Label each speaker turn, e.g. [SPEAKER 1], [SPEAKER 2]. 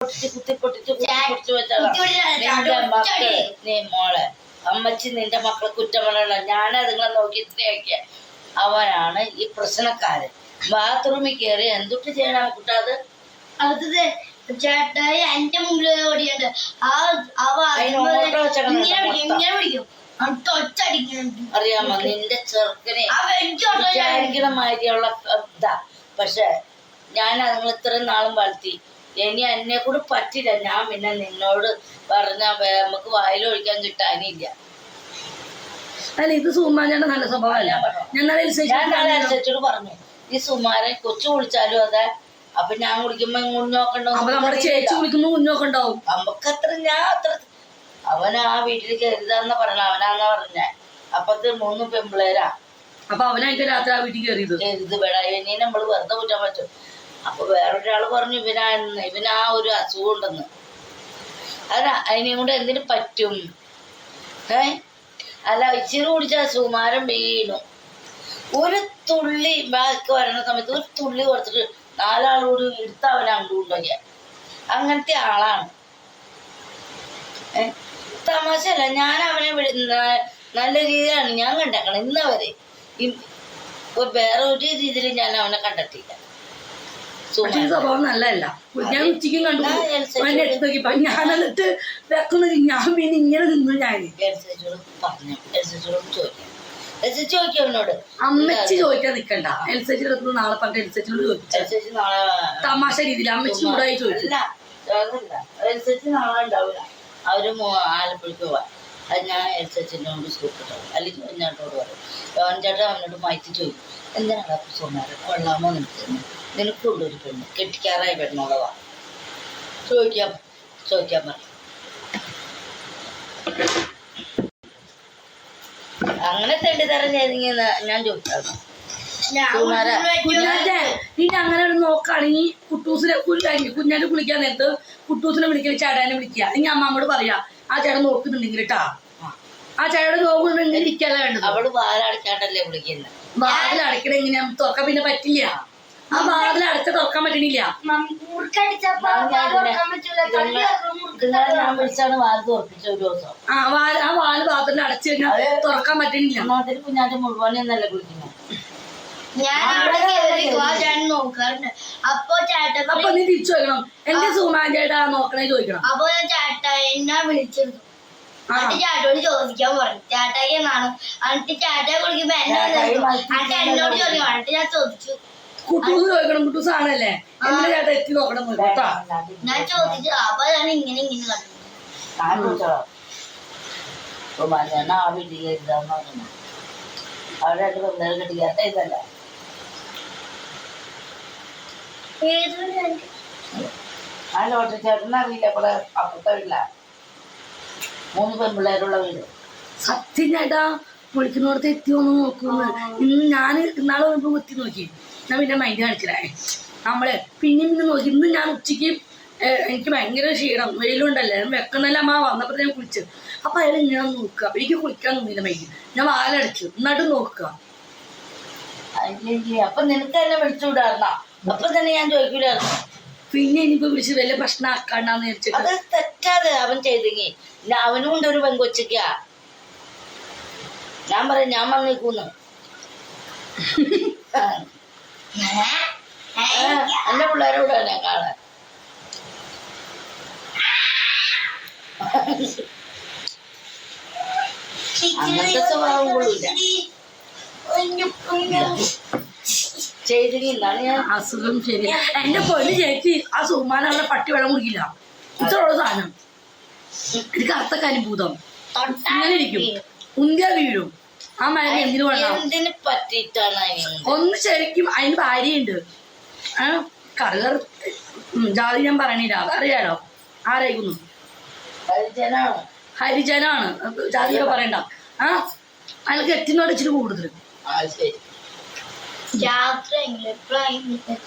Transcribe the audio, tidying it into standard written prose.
[SPEAKER 1] പൊട്ടിച്ച് നിന്റെ മക്കള് നീ മോളെ അമ്മച്ചി നിന്റെ മക്കളെ കുറ്റം പറയണ ഞാൻ അതുങ്ങളെ നോക്കി ഇത്രയാക്കിയ അവനാണ് ഈ പ്രശ്നക്കാരൻ. ബാത്റൂമിൽ കയറി എന്തൊട്ട് ചെയ്യണം കുട്ടാത്
[SPEAKER 2] അടുത്തത് ചേട്ടായി എന്റെ മുമ്പിൽ ഓടിയുണ്ട്
[SPEAKER 1] അറിയാമോ നിന്റെ ചെറുക്കനെ വിചാരിക്കണ മാതിരിയുള്ള ഇതാ. പക്ഷെ ഞാൻ അതുങ്ങൾ ഇത്രയും നാളും വളർത്തി. ഇനി എന്നെ കൂടെ പറ്റില്ല. ഞാൻ പിന്നെ നിന്നോട് പറഞ്ഞ നമുക്ക് വായിലൊഴിക്കാൻ കിട്ടാനില്ല.
[SPEAKER 3] അല്ല ഇത് സുമാരന്റെ നല്ല സ്വഭാവമല്ല.
[SPEAKER 1] ഞാൻ നാളെ അനുസരിച്ചോട് പറഞ്ഞു ഈ സുമാരൻ കൊച്ചു കുളിച്ചാലും അതെ. അപ്പൊ ഞാൻ കുളിക്കുമ്പോ കുഞ്ഞോക്കണ്ടോ
[SPEAKER 3] ചേച്ചി കുളിക്കുമ്പോ കുഞ്ഞോക്കണ്ടാവും.
[SPEAKER 1] നമുക്കത്ര ഞാൻ അത്ര അവൻ ആ വീട്ടിൽ കരുതാന്ന പറഞ്ഞ അവനാന്നാ പറഞ്ഞ. അപ്പത്തെ 3 പെമ്പിളേരാ.
[SPEAKER 3] അപ്പൊ അവനായിട്ട് രാത്രി ആ വീട്ടിൽ കയറിയത്
[SPEAKER 1] കരുത് വേടാ. ഇനി നമ്മള് വെറുതെ കുറ്റാൻ പറ്റും. അപ്പൊ വേറൊരാള് പറഞ്ഞു ഇവനാ ഒരു അസുഖം ഉണ്ടെന്ന്. അതാ അതിനെ കൊണ്ട് എന്തിനു പറ്റും? അല്ല ഇച്ചിരി കുടിച്ചാൽ സുമാരം വീണു. ഒരു തുള്ളി ബാക്കി വരുന്ന സമയത്ത് ഒരു തുള്ളി കൊടുത്തിട്ട് 4 ആളോട് എടുത്ത് അവനെ കൊണ്ടുപോയാൽ അങ്ങനത്തെ ആളാണ്. തമാശല്ല. ഞാൻ അവനെ നല്ല രീതിയിലാണ് ഞാൻ കണ്ടേക്കണം ഇന്നവരെ. വേറെ ഒരു രീതിയിൽ ഞാൻ അവനെ കണ്ടെത്തിയില്ല.
[SPEAKER 3] സ്വഭാവം നല്ലതല്ല. ഞാൻ ഉച്ചയ്ക്കും കണ്ടു നോക്കിയപ്പോ ഞാൻ എന്നിട്ട് വെക്കുന്നത് ഞാൻ പിന്നെ ഇങ്ങനെ നിന്നു. ഞാൻ
[SPEAKER 1] ചോദിക്കവനോട്
[SPEAKER 3] അമ്മച്ചി ചോദിക്കാൻ നിക്കണ്ട. എൽസേച്ചിയുടെ അടുത്ത് നാളെ പറഞ്ഞ എൽസേച്ചിനോട് ചോദിച്ചു തമാശ രീതിയിൽ അമ്മച്ചി ചൂടായി ചോദിച്ചില്ല.
[SPEAKER 1] നാളെ ഉണ്ടാവില്ല. അവര് ആലപ്പുഴക്ക് പോവാൻ. അത് ഞാൻ എൽസേച്ചിനോട് സൂപ്പിട്ടോ അല്ലെങ്കിൽ കുഞ്ഞാട്ടോട് പറയും. ചേട്ടൻ അവനോട് മാറ്റി ചോദിക്കും എന്തിനാണ് സുമാരൻ കൊള്ളാമോ നിനക്കുള്ളൊരു പെണ്ണ് കെട്ടിക്കാറായി പെണ്ണുള്ളതാ ചോദിക്കാൻ പറയും. അങ്ങനെ തെണ്ടിത്തരം ചെയ്തെങ്കിൽ ഞാൻ ചോദിച്ചായിരുന്നു.
[SPEAKER 3] പിന്നെ അങ്ങനെ നോക്കുകയാണെങ്കിൽ കുട്ടൂസിനെ കുഞ്ഞാറ്റ് കുളിക്കാൻ നേരത്ത് കുട്ടൂസിനെ വിളിക്കുക ചേട്ടാനെ വിളിക്കുക. ഇനി അമ്മമ്മോട് പറയാ ആ ചേട്ടൻ നോക്കുന്നുണ്ടെങ്കിൽ കേട്ടാ. ആ ചേട്ടൻ നോക്കുന്നുണ്ടെങ്കിൽ ഇരിക്കാതെ വേണ്ടത്.
[SPEAKER 1] അവള് വാലടക്കാണ്ടല്ലേ വിളിക്കുന്നത്.
[SPEAKER 3] വാതിലടക്കണ എങ്ങനെയാ തുറക്കാൻ പിന്നെ പറ്റില്ല. ആ വാതിൽ അടച്ച തുറക്കാൻ പറ്റണില്ല.
[SPEAKER 1] ഞാൻ വിളിച്ചാണ് വാല് തുറപ്പിച്ച ഒരു ദിവസം.
[SPEAKER 3] ആ വാല് പാത്രത്തിൽ അടച്ചു കഴിഞ്ഞാൽ തുറക്കാൻ പറ്റണില്ല.
[SPEAKER 1] അതിൽ കുഞ്ഞാറ്റ മുഴുവനെന്നല്ലേ വിളിക്കുന്നത്.
[SPEAKER 3] അപ്പൊ നീ തിരിച്ചു ചോദിക്കണം എന്റെ സുമാൻ ചേട്ടാ നോക്കണേ ചോദിക്കണം.
[SPEAKER 2] അപ്പൊ ഞാൻ ചേട്ടായി എന്നെ വിളിച്ചിരുന്നു. ചേട്ടോട് ചോദിക്കാൻ പറഞ്ഞു. ചേട്ടായി എന്നാണ് എന്നിട്ട് ചേട്ടായി കുളിക്കുമ്പോ എന്നോട് ചോദിക്കണം. എന്നിട്ട് ഞാൻ ചോദിച്ചു
[SPEAKER 3] കുട്ടൂസ് ചോദിക്കണം. കുട്ടൂസ് ആണല്ലേ എന്റെ ചേട്ടാ എത്തി നോക്കണം കേട്ടാ.
[SPEAKER 2] ഞാൻ ചോദിച്ചു. അപ്പൊ ഞാൻ ഇങ്ങനെ കണ്ടു.
[SPEAKER 1] ഞാൻ ആ വീട്ടിൽ കരുതാന്ന് പറഞ്ഞു. അവിടെ 2 പെണ്ണുകൾ കെട്ടിക്കാത്ത ഇതല്ല. ആ ലോട്ടറി ചേട്ടൻ അറിയില്ല. ഇവിടെ അപ്പുറത്തെ വീട്ടില 3 പെൺപിള്ളേരുള്ള വീട്.
[SPEAKER 3] സത്യം ചേട്ടാ വിളിക്കുന്നിടത്ത് എത്തിയോന്ന് നോക്കുന്നു. ഇന്ന് ഞാൻ ഇന്നാളെ വന്നപ്പോ കുത്തി നോക്കി. ഞാൻ പിന്നെ മൈൻഡ് കാണിച്ചില്ലേ നമ്മള് പിന്നെ നോക്കി. ഇന്ന് ഞാൻ ഉച്ചയ്ക്ക് എനിക്ക് ഭയങ്കര ക്ഷീണം വെയിലുണ്ടല്ലേ വെക്കുന്നല്ല അമ്മ വന്നപ്പോ ഞാൻ കുളിച്ചു. അപ്പൊ അയാൾ ഇങ്ങനെ നോക്കുക. അപ്പൊ എനിക്ക് കുളിക്കാൻ തോന്നിയില്ല മൈൻഡ്. ഞാൻ വാലടച്ചു എന്നിട്ട് നോക്കുക.
[SPEAKER 1] അപ്പൊ നിനക്ക് തന്നെ വിളിച്ചുവിടാറുന്ന അപ്പൊ തന്നെ ഞാൻ ചോദിക്കൂലായിരുന്നു.
[SPEAKER 3] പിന്നെ ഇനിയിപ്പോ വിളിച്ച് വലിയ പ്രശ്നം ആക്കാണ്ടാന്ന് വിചാരിച്ചിട്ട്
[SPEAKER 1] അത് തെറ്റാതെ അവൻ ചെയ്തെങ്കിൽ അവനും കൊണ്ട് ഒരു പെങ്കൊച്ചയ്ക്കാ. ഞാൻ പറയാം ഞാൻ വന്നേക്കൂന്ന്. എന്റെ പിള്ളേരോട് ഞാൻ കാണാൻ അങ്ങനത്തെ സ്വഭാവം കൊള്ളില്ല. ചെയ്തെങ്കിലാണ് ഞാൻ
[SPEAKER 3] അസുഖം ശരി. എന്റെ പൊന്നു ചേച്ചി ആ സുമാൻ അവിടെ പട്ടി വെള്ളം കുടിക്കില്ല. ഇത്രയുള്ള സാധനം എനിക്ക് അർത്ഥ അനുഭൂതം അങ്ങനെ ഇരിക്കും. ഉന്തിയ വീഴും. ആ മരുന്ന് എന്തിനു കൊള്ളാം.
[SPEAKER 1] എന്തിനെ പറ്റിയിട്ടാണ്
[SPEAKER 3] ഒന്ന് ശരിക്കും അതിന് ഭാര്യയുണ്ട്. ജാതി ഞാൻ പറയണില്ല അറിയാലോ ആരായിക്കുന്നു. ഹരിജനാണ് ജാതിയൊക്കെ പറയണ്ട. അയാൾക്ക് എത്തിനോട് ഇച്ചിരി കൂടുതൽ.
[SPEAKER 2] രാത്രി